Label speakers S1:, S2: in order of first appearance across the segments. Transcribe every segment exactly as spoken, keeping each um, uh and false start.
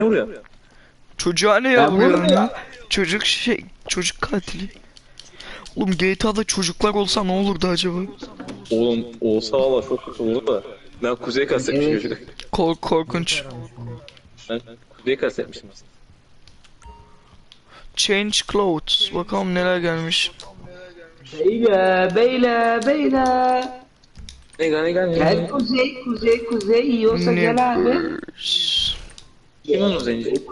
S1: vuruyor?
S2: Çocuğa ne
S3: Ben
S2: yapıyor
S3: vurmuyorum.
S2: ya? Çocuk şey, çocuk katili. Oğlum G T A'da çocuklar olsa ne olurdu acaba?
S1: Oğlum olsa valla çok kötü olur da. Ben kuzeye kastetmişim
S3: Evet.
S1: çocuk.
S2: Kork korkunç.
S1: Ben kuzeye kastetmişim aslında.
S2: Change clothes. Bakalım neler gelmiş.
S3: Beyler, beyler, beyler.
S1: Ne gel ne gel.
S3: Gel kuzey, kuzey, kuzey. Yiyorsa gel abi.
S2: Niggers.
S1: Kim onun zenci?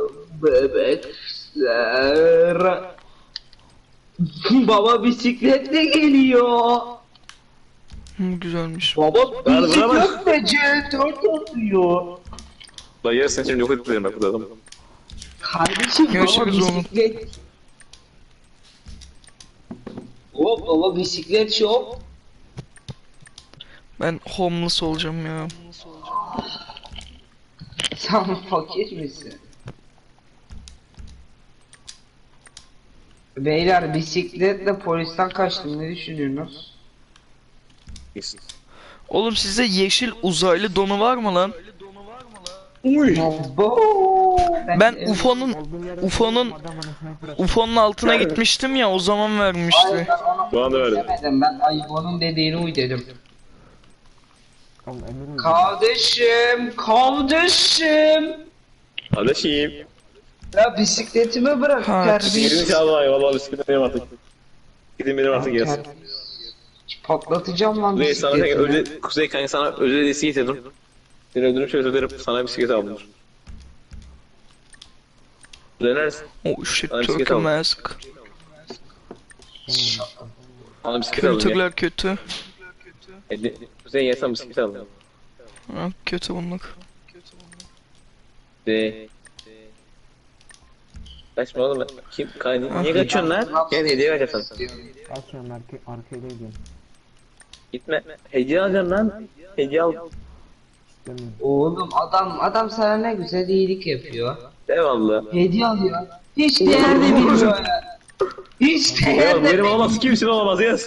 S3: Bebekler. Baba bisikletle geliyor.
S2: Hı, güzelmiş.
S3: Baba
S1: Ver,
S3: bisikletle C dört oluyor.
S1: La yarısını şimdi yok ettilerim bak bu adamı.
S3: Kardeşim baba
S2: Görüşürüz oğlum.
S3: bisiklet. Hop baba bisiklet şop.
S2: Ben homeless olacağım ya.
S3: Sen fakir misin? Beyler bisikletle polisten kaçtım, ne düşünüyorsunuz?
S1: İyisin.
S2: Oğlum sizde yeşil uzaylı donu var mı lan?
S1: Uy.
S3: Abo,
S2: Ben U F O'nun U F O'nun U F O'nun altına gitmiştim ya, o zaman vermişti.
S3: Hayır, ben onu
S1: Bana da verdi.
S3: demedim, ben Aybo'nun dediğini uy dedim. Kardeşim, kardeşim.
S1: Kardeşim.
S3: Ya bisikletimi bırak
S2: Ha,
S1: Gidin
S3: terbiyesiz.
S1: çağla valla bisikletim benim artık. Gidin benim artık gelsin.
S3: Patlatacağım lan
S1: Kuzey sana kanka
S3: bisikletimi.
S1: özel, Kuzey kanka sana özel hediyesi getirdim. Seni öldürüm şöyle öderim sana bisiklet aldım. Dönersin.
S2: Oh shit,
S1: Bana bisiklet
S2: Turkey
S1: aldım.
S2: mask.
S1: Bana bisiklet aldım ya.
S2: Kültürler kötü.
S1: Hadi, Kuzey gel sana bisiklet aldım.
S2: Ha, kötü bunlar.
S1: De. Kaçma oğlum ben. Kim? Ka niye kaçıyorsun lan? Gel hediye vereceğim sana.
S4: Açıyorum arka, arkaya gidiyorum.
S1: Gitme. Hediye alacağım lan. Hediye al.
S4: İstemiyorum.
S3: Oğlum adam adam sana ne güzel iyilik yapıyor.
S1: Eyvallah.
S3: Hediye alıyor. Hiç değer de bilmiyor ya. Hiç değer
S1: Ya
S3: de
S1: benim olmaz kimsin olmaz yaz.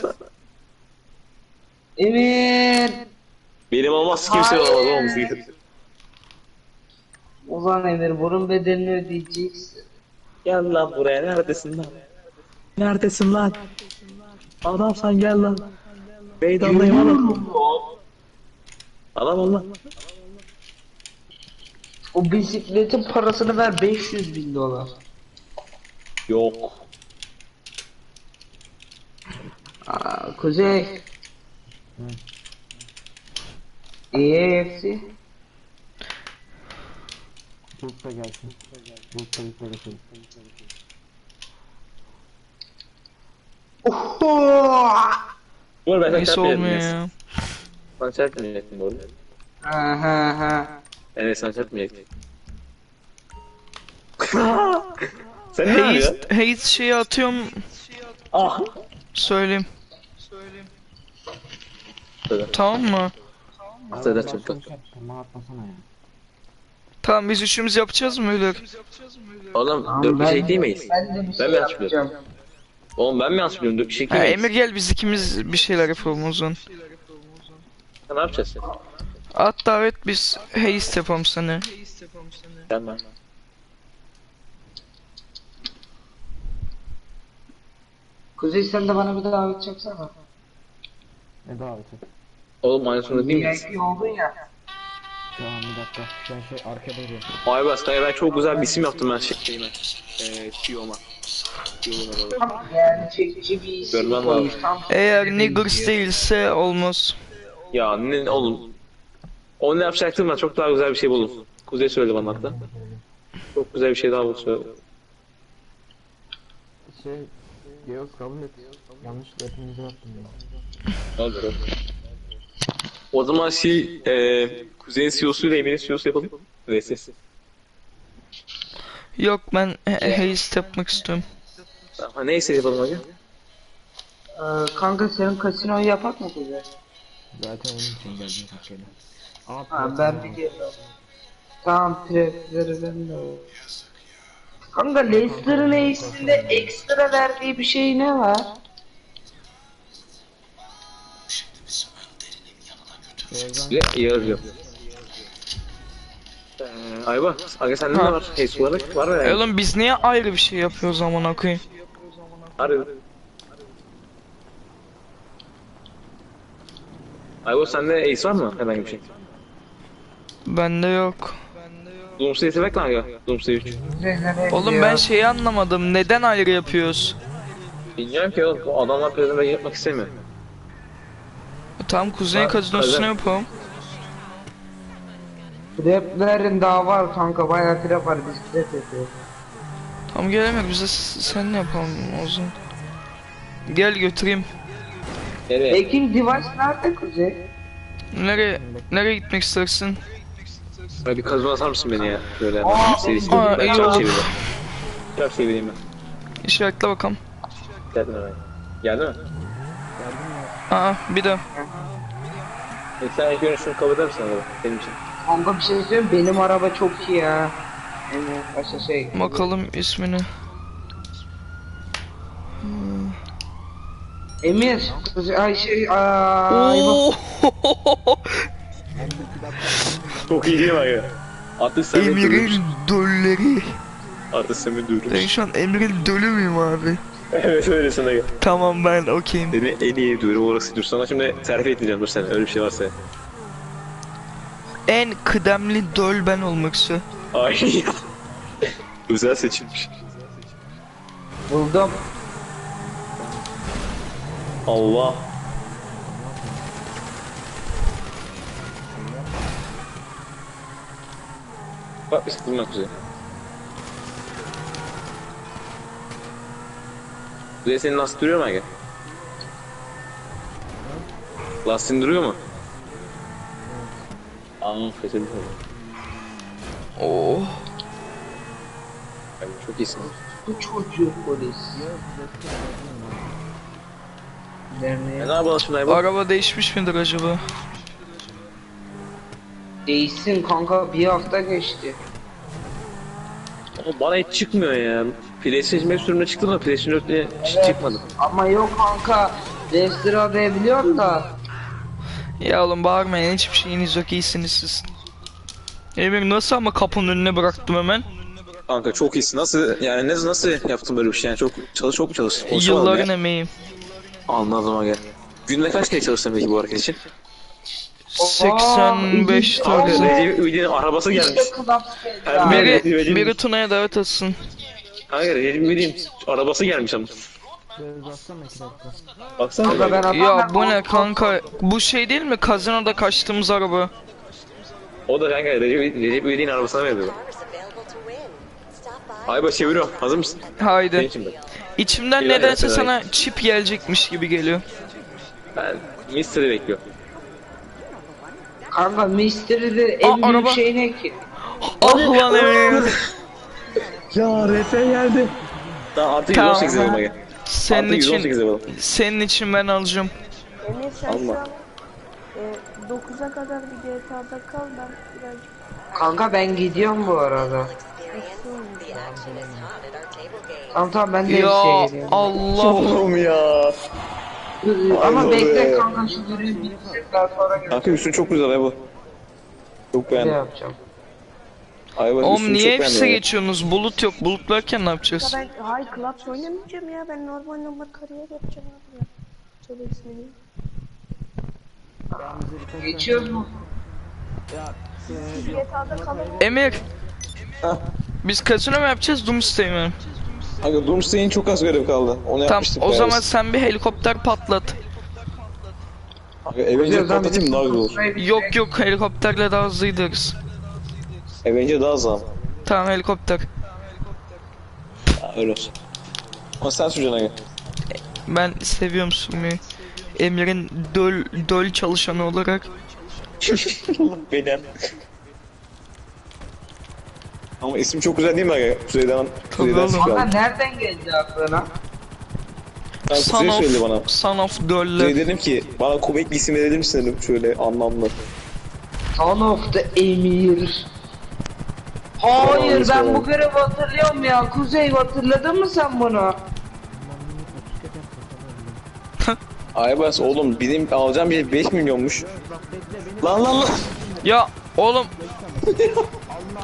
S3: Emir.
S1: Benim olmaz kimsin
S3: Hayır.
S1: olmaz oğlum bisiklet.
S3: Ulan Emir bunun bedelini ödeyeceksin.
S1: Gel lan buraya neredesin lan? Neredesin lan? Adamsan gel lan. Meydandayım oğlum. Adam ol lan.
S3: O bisikletin parasını ver beş yüz bin dolar.
S1: Yok.
S3: Aa, Kuzey. İyi hepsi.
S4: Bulutsa gelsin. Bulutsa bir gelsin.
S3: Oho!
S1: Dur ben sana
S2: Neyse
S1: çarpmayayım.
S2: olmuyor ya.
S1: Sana çarpmayacaktım doğru.
S3: Ha ha ha.
S1: Evet sana çarpmayacaktım. Sen ne yapıyorsun?
S2: Haste, haste şeyi atıyorum,
S1: Ah.
S2: söyleyeyim.
S1: Söyle.
S2: Tamam mı?
S1: Söyle çabuk.
S4: Tamam atmasana ya.
S2: Tamam, biz üçümüz yapacağız mı öyle?
S1: Oğlum
S3: Tamam,
S1: dört
S3: ben-
S1: kişilik değil miyiz?
S3: Ben de bir
S1: Ben
S3: şey
S1: mi yanlış biliyorum?
S3: yapacağım.
S1: Oğlum ben mi yanlış biliyorum? Dört kişilik
S2: Ha,
S1: değil
S2: Emir
S1: miyiz?
S2: gel, biz ikimiz bir şeyler yapalım o zaman.
S1: Ha, ne yapacağız sen?
S2: At davet, biz haste yapalım seni.
S1: Tamam.
S3: Kuzey sen de bana bir davet yapsana.
S4: Ne daveti?
S1: Oğlum aynı sonunda değil miyiz?
S3: V I P oldun ya.
S4: Tamam bir dakika. Ben şey arkada duruyorum.
S1: Aybars kanka ben çok güzel bir isim yaptım ben şeyime. Eee C E O'ma. C E O'ma
S3: Tam yani çekici bir isim
S1: Görmem
S3: koymuş.
S1: lazım.
S3: Tam
S2: Eğer
S3: kendine
S2: niggers
S3: benziyor.
S2: değilse olmaz.
S1: Ya ne oğlum. Onu yapacaktım ben çok daha güzel bir şey buldum. Kuzey söyledi bana hatta. Çok güzel bir şey daha buldu söyledi.
S4: Şey, Geos kabul et. Yanlışlıkla hepinize yaptım ya.
S1: Ne olur o. O zaman şey eee Kuzey'in C E O'su ile Emir'in C E O'su yapalım. V S.
S2: Yok, ben he- haste yapmak istiyorum.
S1: Ha, neyse yapalım hadi.
S3: Ee, kanka senin kasinoyu yapak mı Kuzey?
S4: Zaten onun için geldim Türkiye'de. Aa,
S3: Ha ben bir geliyorum. Tamam prefleri ben de. Kanka Leicester'ın Ace'inde ekstra verdiği bir şey ne var?
S4: Beyazdan
S1: Ve yarıyor. Ee, Ayba, aga sende ne
S2: Ha.
S1: var? Ace olarak var mı
S2: E
S1: yani?
S2: oğlum biz niye ayrı bir şey yapıyoruz amına koyayım?
S1: Harbi. Ayba sende Ace var mı? Herhangi bir şey.
S2: Bende yok.
S1: Doomsday'i sevek lan aga. Doomsday üç.
S3: Kuzey nereye
S2: Oğlum
S3: gidiyor?
S2: ben şeyi anlamadım. Neden ayrı yapıyoruz?
S1: Bilmiyorum ki oğlum. O adamlar prezime yapmak istemiyor.
S2: Tamam Kuzey
S1: Ha,
S2: kazinosunu
S1: öyle.
S2: yapalım.
S3: Traplerin daha var kanka, bayağı trap var, biz trap yapıyoruz.
S2: Tamam gelemek bize s- sen ne yapalım o zaman. Gel götüreyim.
S1: Nereye?
S3: Ekin device nerede Kuzey?
S2: Nereye nereye gitmek istersin?
S1: Ay bir kazma atar mısın beni ya? Böyle
S3: Aa,
S1: seri
S2: aa,
S1: seri. Ben
S2: iyi
S1: çarp
S2: olur.
S1: çevireyim. Çarp çevireyim ben.
S2: İşaretle bakalım.
S1: Geldin mi? Geldi mi?
S2: Aa bir de.
S1: E sen ilk önce şunu kabul eder misin araba? Benim için.
S3: Kanka bir şey söyleyeyim, benim araba çok iyi ya. Evet, başka şey.
S2: Bakalım ismini.
S3: Emir, Kuzey, ay şey, ay bak.
S2: Oo!
S1: Çok iyi değil mi aga? Artık sen beni
S2: Emir'in
S1: dövüyorsun.
S2: dölleri.
S1: Artık sen beni
S2: Ben
S1: dövüyorsun.
S2: şu an Emir'in dölü müyüm abi?
S1: Evet öylesin aga.
S2: Tamam ben okeyim.
S1: Seni en iyi dövüyorum orası. Dur sana şimdi terfi etmeyeceğim dur sen öyle bir şey varsa.
S2: En kıdemli döl ben olmak istiyorum.
S1: Ay özel seçilmiş.
S3: Buldum.
S1: Allah. Bak bir sıkılma kuzey. Kuzey senin lastik duruyor mu aga? Lastiğin duruyor mu? Aa fethedildi.
S2: Oo.
S1: Ay, çok iyisin.
S3: Bu çocuğu polis.
S1: E,
S3: Derneğe
S1: ne yapalım şimdi Ayba?
S2: Araba değişmiş midir acaba?
S3: değişsin kanka, bir hafta geçti.
S1: Ama bana hiç çıkmıyor ya. PlayStation beş sürümüne çıktı da PlayStation dörtte hiç çıkmadı.
S3: Ama yok kanka, Leicester adayabiliyorum da.
S2: Ya oğlum bağırmayın hiçbir şeyiniz yok iyisiniz siz. Emir nasıl ama kapının önüne bıraktım hemen.
S1: Kanka çok iyisin. Nasıl yani ne nasıl yaptın böyle bir şey? Yani çok çalış çok mu çalıştın? Konuşamadım
S2: Yılların
S1: ya.
S2: emeği.
S1: Anladım aga. Günde kaç kere çalıştın peki bu hareket için?
S2: seksen beş
S3: Aa,
S2: tane.
S3: iyi.
S1: Recep İvedik'in arabası gelmiş.
S3: İşte Club
S1: Her
S3: Squad.
S1: biri-
S2: Biri,
S1: Recep-
S2: biri Tuna'ya davet atsın.
S1: Hayır Recep İvedik'in arabası gelmiş ama. Baksana.
S3: Kanka ben
S2: Ya
S3: adamla
S2: bu ne
S3: konuşmam.
S2: kanka? Bu şey değil mi? Kazinoda kaçtığımız araba.
S1: O da kanka Recep, Recep İvedik'in arabasına veriyor. Ayba çeviriyorum. Hazır mısın? Senin
S2: Haydi.
S1: için ben.
S2: İçimden
S1: İlahi
S2: nedense
S1: yapsın,
S2: sana çip gelecekmiş gibi geliyor.
S1: Ben Mister'i bekliyorum.
S3: Kanka Mystery'de en
S2: Aa,
S3: büyük
S2: araba.
S3: şey ne ki?
S2: Ah lan Emir.
S1: Ya Refe geldi. Tamam artık
S2: Tamam.
S1: yüz on sekiz yapalım aga.
S2: Senin
S1: Artık yüz on sekiz
S2: için
S1: yapalım.
S2: senin için ben alacağım.
S5: Emir sen
S1: Allah.
S5: şu an e, dokuza kadar bir G T A'da kal, ben birazcık
S3: Kanka ben gidiyorum bu arada.
S5: eksi oynayacağım.
S3: Tamam tamam, ben de
S2: Ya
S3: hepsiye geliyorum.
S2: Allah.
S1: Oğlum ya.
S3: Ama
S1: Ay,
S3: bekle
S1: be.
S3: kanka, şu görevi bitirsek daha sonra geleceğim.
S1: Kanka üstün çok güzel Ayba. Çok
S3: Ne
S1: beğendim.
S3: yapacağım?
S1: Ayba
S2: Oğlum
S1: üstünü
S2: niye
S1: çok
S2: hepsi
S1: beğendim.
S2: geçiyorsunuz? Bulut yok. Bulut varken ne yapacağız?
S5: Ya ben hay Clubs oynamayacağım ya, ben normal normal kariyer yapacağım abi ya. Söyle ismini.
S3: Geçiyoruz mu?
S5: G T A'da kalalım.
S2: Emir.
S1: Hah.
S2: Biz kasino mu yapacağız? Doomsday mi?
S1: Kanka Doomsday'in çok az görev kaldı. Onu
S2: Tamam
S1: yapmıştık.
S2: o
S1: bayağı
S2: zaman
S1: biz.
S2: sen bir helikopter patlat.
S1: Kanka Avenger patlatayım daha güzel olur.
S2: Yok yok helikopterle daha hızlı gideriz.
S1: Avenger daha az ama.
S2: Tamam helikopter.
S1: Ha, öyle olsun. Ama sen süreceksin aga.
S2: Ben seviyorum sürmeyi. Emir'in döl, döl çalışanı olarak.
S1: Benim. Ama isim çok güzel değil mi aga? Kuzey'den, Kuzey'den
S2: oğlum.
S3: Kanka
S1: sıkıldım.
S3: nereden geldi aklına?
S1: Ben
S2: Son
S1: Kuzey
S2: of,
S1: söyledi bana.
S2: son of
S1: Kuzey
S2: döller.
S1: dedim ki bana komik bir isim verir misin dedim şöyle anlamlı.
S3: Son of the Emir. Hayır, ben bu görevi hatırlıyorum ya. Kuzey, hatırladın mı sen bunu?
S1: Aybas oğlum benim alacağım bir beş milyonmuş. Lan lan lan.
S2: Ya oğlum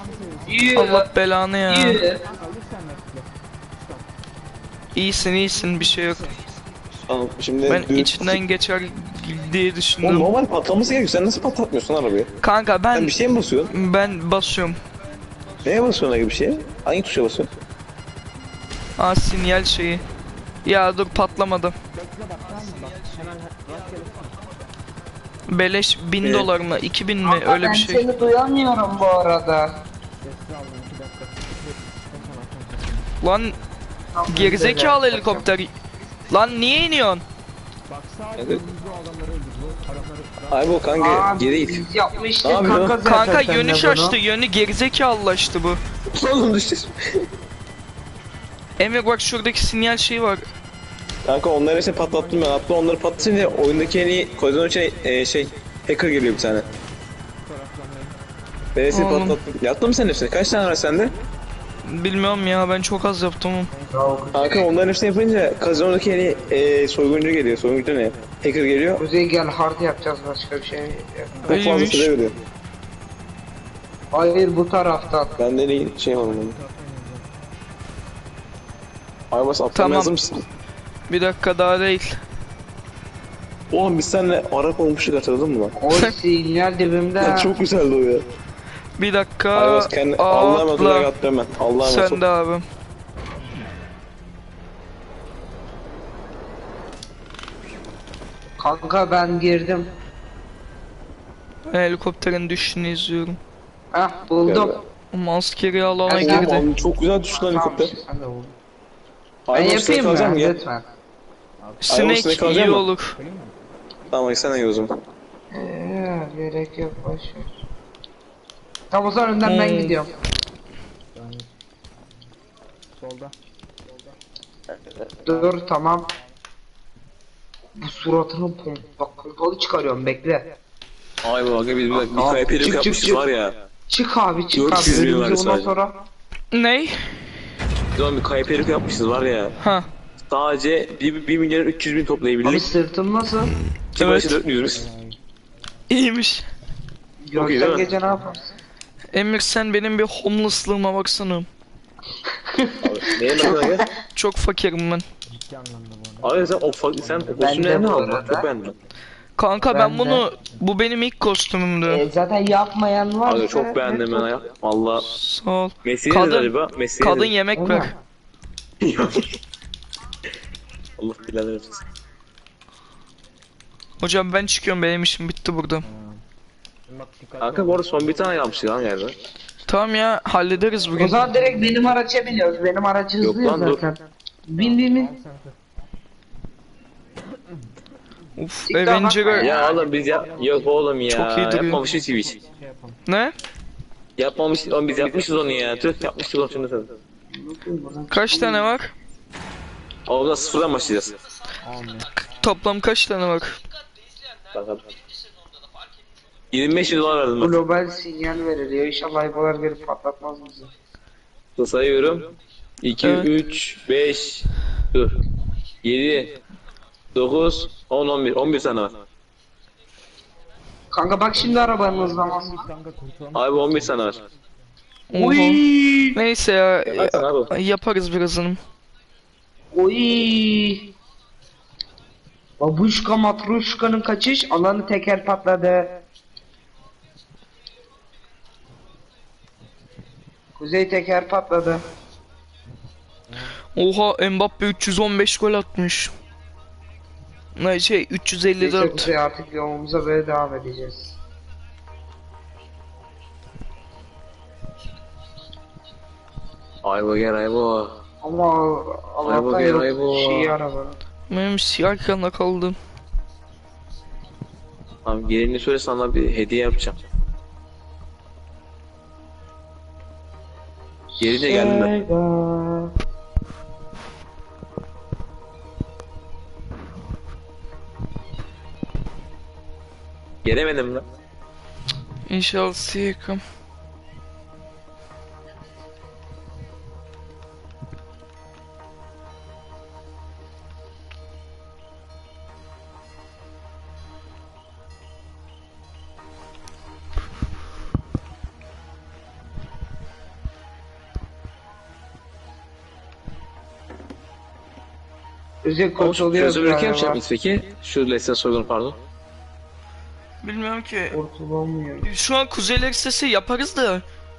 S3: Yürü.
S2: Allah belanı ya.
S3: Yürü.
S2: İyisin iyisin bir şey yok.
S1: Tamam şimdi
S2: Ben
S1: düz-
S2: içinden geçer diye
S1: Oğlum
S2: düşündüm.
S1: normal patlaması gerekiyor. Sen nasıl patlatmıyorsun arabayı?
S2: Kanka
S1: Sen
S2: ben
S1: bir şey mi basıyorsun?
S2: ben basıyorum.
S1: Neye basıyorsun öyle bir şeye? Hangi tuşa basıyorsun?
S2: Aa sinyal şeyi. Ya dur patlamadı. Beleş bin
S1: Evet.
S2: dolar mı? iki bin mi?
S3: Kanka,
S2: Öyle
S3: ben
S2: bir şey.
S3: seni duyamıyorum bu arada.
S2: Lan
S3: Tamam,
S2: gerizekalı
S3: güzel.
S2: helikopter. Lan niye iniyorsun?
S1: Evet. Ay bu kanka
S3: Aa,
S1: geri it.
S3: biz yapmıştık
S1: Ne yapıyorsun?
S3: kanka zaten
S2: Kanka
S3: seninle
S2: yönü
S3: bunu.
S2: şaştı. Yönü gerizekalılaştı bu.
S1: Oğlum düştü.
S2: Emir bak şuradaki sinyal şeyi var.
S1: Kanka onları işte patlattım ben. Hatta onları patlatınca oyundaki en iyi koridorun içine e, şey hacker geliyor bir tane. Ben hepsini
S2: Oğlum.
S1: patlattım. Yaptın mı sen hepsini? Kaç tane var sende?
S2: Bilmiyorum ya ben çok az yaptım.
S1: Kanka onların hepsini yapınca kazanodaki en iyi e, soyguncu geliyor. Soyguncu ne? Hacker geliyor.
S3: Kuzey gel hard yapacağız başka bir şey. yok.
S1: Çok fazla
S2: İyiymiş.
S1: süre veriyor.
S3: Hayır bu taraftan.
S1: Ben de iyi şey var onun. Ay bas atlamaya
S2: Tamam.
S1: hazır mısın?
S2: Bir dakika daha değil.
S1: Oğlum biz seninle Arap olmuştuk hatırladın mı lan?
S3: O sinyal dibimde.
S1: Çok güzeldi o ya.
S2: Bir dakika.
S1: Ay bas kendi Allah'a emanet olarak
S2: Atla.
S1: atlıyorum ben. Allah'a emanet
S2: Sen
S1: ol.
S2: de abi.
S3: Kanka ben girdim.
S2: Ben helikopterin düşüşünü izliyorum.
S3: Heh buldum.
S2: Ama askeri alana
S3: Ben-
S2: girdi.
S1: Oğlum çok güzel düştü lan helikopter.
S3: Tamam, sen de buldun. Ben
S1: Ay bas sinek
S3: yapayım
S1: alacağım
S3: mı?
S1: gel.
S3: Lütfen.
S2: Sinek
S1: sinek alacak
S2: iyi
S1: mı?
S2: olur.
S1: Tamam hadi sen de gel o zaman.
S3: Eee gerek yok boşver. Tamam o zaman önden ben
S2: Hmm.
S3: gidiyorum.
S4: Solda.
S3: Dur tamam. Bu suratını pom bak pompalı çıkarıyorum bekle.
S1: Ay baba biz bir, bir
S3: Aa,
S1: kaya perik
S3: çık, çık,
S1: yapmışız
S3: çık.
S1: var ya.
S3: Çık abi çık
S1: dört yüz
S3: abi
S1: bin var
S3: önümüze ondan
S1: sadece.
S3: sonra.
S2: Ney?
S1: Biz zaman bir kaya perik yapmışız var ya.
S2: Ha.
S1: Sadece bir, bir milyar üç yüz bin
S3: Abi
S1: toplayabildik.
S3: sırtım nasıl?
S1: Ki
S2: Evet.
S1: başı dört yüz.
S2: İyiymiş.
S1: Çok iyi
S3: Görsen
S1: değil mi?
S3: gece ne yaparsın?
S2: Emir sen benim bir homeless'lığıma baksana.
S1: Neye bakın gel?
S2: Çok fakirim ben.
S4: Ciddi anlamda bu arada.
S1: Abi sen o fa- sen o
S3: Ben
S1: kostümleri
S3: de
S1: ne
S3: bu
S1: aldın?
S3: arada.
S1: Çok beğendim.
S2: Kanka ben,
S3: Ben de.
S2: bunu bu benim ilk kostümümdü.
S3: E, zaten yapmayan var.
S1: Abi çok beğendim ben ya. Valla.
S2: Sağ ol.
S1: Mesleği
S2: Kadın-
S1: nedir acaba? Mesleği
S2: Kadın
S1: nedir?
S2: yemek
S3: Ona.
S2: ver.
S1: Allah bilader versin.
S2: Hocam ben çıkıyorum benim işim bitti burada.
S4: Şimdi bak dikkatli
S1: Kanka
S4: ol.
S1: bu arada son bir tane yapmıştık lan yerde.
S2: Tamam ya hallederiz
S3: O
S2: bugün.
S3: zaman direkt benim araca biniyoruz. Benim aracı
S1: Yok
S3: hızlı ya
S1: lan, dur.
S3: zaten. Bin bin bin.
S4: Al sen tut.
S2: Uf
S3: TikTok'a bakma
S2: Avenger'a...
S3: ya.
S1: Ya oğlum biz yap... Yok oğlum ya.
S2: Çok iyi duruyor.
S1: Yapmamışız Twitch.
S4: Şey yapalım.
S2: Ne?
S1: Yapmamış, oğlum biz yapmışız onu ya. Tüh yapmıştık onu şimdi sen.
S2: Kaç tane var?
S1: Oğlum da sıfırdan başlayacağız.
S4: Almıyor.
S2: Toplam kaç tane var?
S1: Bakalım. yirmi beş dolar verdim ben.
S3: Global sinyal veriliyor. İnşallah aybalar gelip patlatmaz bizi.
S1: Sayıyorum. iki,
S2: Evet.
S1: üç, beş, dur. yedi, dokuz, on, on bir. on bir tane var.
S3: Kanka bak şimdi arabanın hızlaması.
S4: Kanka kurtulalım.
S1: Abi on bir tane var.
S3: Oy.
S2: Neyse ya,
S1: Hadi abi.
S2: ya- yaparız birazını.
S3: Oy. Babuşka matruşkanın kaçış alanı teker patladı. Kuzey teker patladı.
S2: Oha Mbappe üç yüz on beş gol atmış. Ne şey üç yüz elli
S3: Neyse
S2: dört.
S3: Kuzey artık yolumuza böyle devam edeceğiz.
S1: Aybo gel Aybo.
S3: Ama Allah'tan
S1: Ay bu,
S3: yok
S1: ay bu.
S3: şey araba.
S2: Benim siyah kanla kaldım.
S1: Abi gelini söyle sana bir hediye yapacağım. Geri de geldim ben.
S3: Sega.
S1: Gelemedim lan.
S2: İnşallah siyakım.
S3: Özür
S1: Ama şu
S3: kurtuluyor
S1: çözümlülük
S3: galiba.
S1: yapacak mıyız peki? Şu Leicester soygunu pardon.
S2: Bilmiyorum ki.
S3: Kurtulamıyor.
S2: Şu an Kuzeyler listesi yaparız da.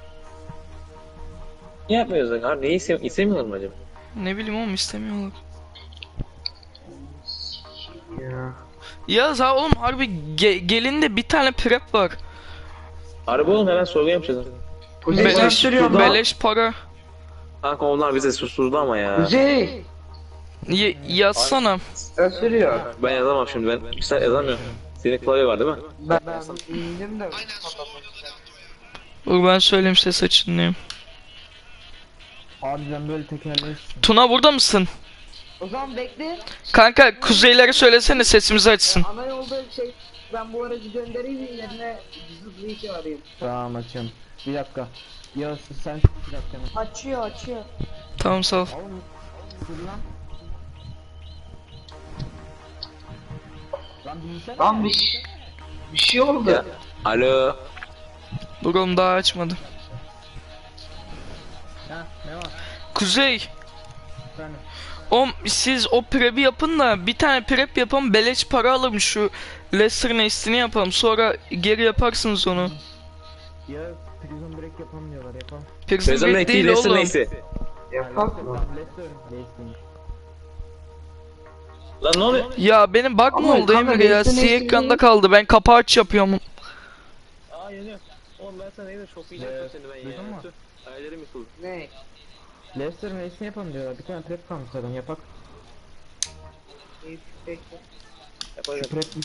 S1: Niye yapmıyoruz lan? Abi neyi iste istemiyorlar mı acaba?
S2: Ne bileyim oğlum istemiyorlar.
S3: Ya.
S2: Ya za oğlum harbi ge- gelinde bir tane prep var.
S1: Harbi oğlum hemen soygun yapacağız.
S3: Kuzey
S2: Beleş,
S3: sürüyor lan.
S2: beleş para.
S1: Kanka onlar bize susturdu ama ya.
S3: Kuzey.
S2: Y- yazsana.
S3: Sen sürüyor.
S1: Ben yazamam şimdi ben. Bir saat yazamıyorum. Senin klavye var değil mi?
S3: Ben, ben indim de.
S2: Dur ben söyleyeyim ses açınlayayım.
S4: Harbiden böyle tekerleşsin.
S2: Tuna burada mısın?
S3: O zaman bekle.
S2: Kanka kuzeylere söylesene sesimizi açsın.
S3: Ana yolda şey ben bu aracı göndereyim yerine zıplayıcı arayayım.
S4: Tamam açayım. Bir dakika. Yağız sen bir dakika.
S5: Açıyor açıyor.
S2: Tamam sağ ol.
S4: Oğlum dur lan. Lan bilsene.
S3: Lan bir, şey- bir şey oldu.
S1: Ya. Alo.
S2: Dur oğlum daha açmadı.
S4: Ha ne var?
S2: Kuzey.
S4: Efendim.
S2: Oğlum siz o prep'i yapın da bir tane prep yapalım beleş para alalım şu Leicester Nest'ini yapalım sonra geri yaparsınız onu.
S4: Yağız prison break yapalım diyorlar yapalım.
S2: Prison
S1: Çözüm
S2: Break
S1: ekli
S2: değil
S1: Leicester
S2: oğlum.
S1: neyse.
S3: Yapak mı?
S4: Leicester. Leicester.
S1: Lan ne oluyor?
S2: Ya benim bug mı
S3: Ama
S2: oldu
S3: kanka,
S2: Emre ya?
S3: Leicester
S2: Siyah
S3: Nest'ini-
S2: ekranda kaldı. Ben kapağı aç yapıyorum.
S1: Aa yanıyor. Oğlum ben sana neyse çok iyi
S4: Evet,
S1: seni ben
S4: duydun
S1: ya.
S4: mu?
S1: Tüh, hayallerim yıkıldı.
S3: Ne?
S4: Leicester Neyse yapalım diyorlar. Bir tane prep kalmış zaten yapak.
S3: İyi, peki.
S1: Yapacağım.
S4: Prep